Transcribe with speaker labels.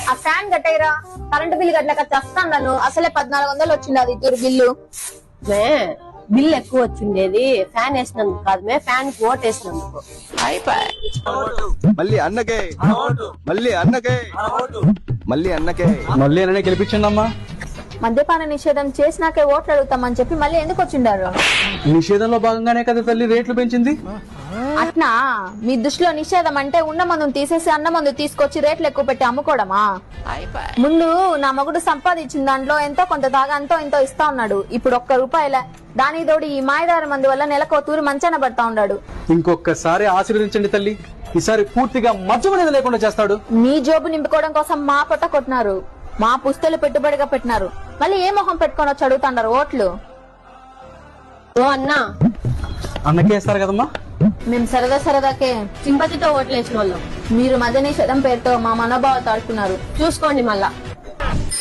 Speaker 1: ఆ fan కట్టేరా, current bill కట్టలేక చస్తాను. నన్ను అసలే 1400 వచ్చింది అది ఇద్దరు బిల్లు.
Speaker 2: బిల్ ఎక్కువ వచ్చిండేది ఫ్యాన్ వేసినందుకు కాదు మే, ఫ్యాన్ కి ఓట్ వేసినందుకు.
Speaker 3: మళ్ళీ అన్నకే మళ్ళీ అన్నకే మళ్ళీ అన్నకే
Speaker 4: మళ్ళీ అన్ననే గెలిపించండి అమ్మా.
Speaker 1: మద్యపాన నిషేధం చేసినాకే ఓట్లు అడుగుతామని చెప్పి మళ్ళీ ఎందుకు వచ్చిండారు?
Speaker 4: నిషేధంలో భాగంగానే కదా తల్లి రేట్లు పెంచింది.
Speaker 1: అట్నా మీ దృష్టిలో నిషేధం అంటే ఉన్న మందును తీసేసి అన్న మందు తీసుకొచ్చి రేట్లు ఎక్కువ పెట్టి అమ్ముకోవడమా? ముందు నా మగుడు సంపాదించిన దాంట్లో ఎంతో కొంత దాగా అంతో ఎంతో ఇస్తా ఉన్నాడు. ఇప్పుడు ₹1 దానికి తోడు ఈ మాయదార మందు వల్ల నెలకు తూరి మంచాన పడతా ఉన్నాడు.
Speaker 4: ఇంకొకసారి ఆశీర్వదించండి తల్లి, ఈసారి పూర్తిగా మద్యం అనేది లేకుండా చేస్తాడు.
Speaker 1: మీ జోబు నింపుకోవడం కోసం మా పొట్ట కొట్టినారు, మా పుస్తలు పెట్టుబడిగా పెట్టినారు. మళ్ళీ ఏ మొహం పెట్టుకొని వచ్చి అడుగుతున్నారు ఓట్లు?
Speaker 2: ఓ అన్నా,
Speaker 4: అన్నకే వేస్తారు కదమ్మా.
Speaker 1: మేము సరదాకే
Speaker 2: సింపతితో ఓట్లు వేసిన వాళ్ళు
Speaker 1: మీరు మద్య నిషేధం పేరుతో మా మనోభావాలు తాడుతున్నారు.
Speaker 2: చూసుకోండి మళ్ళా.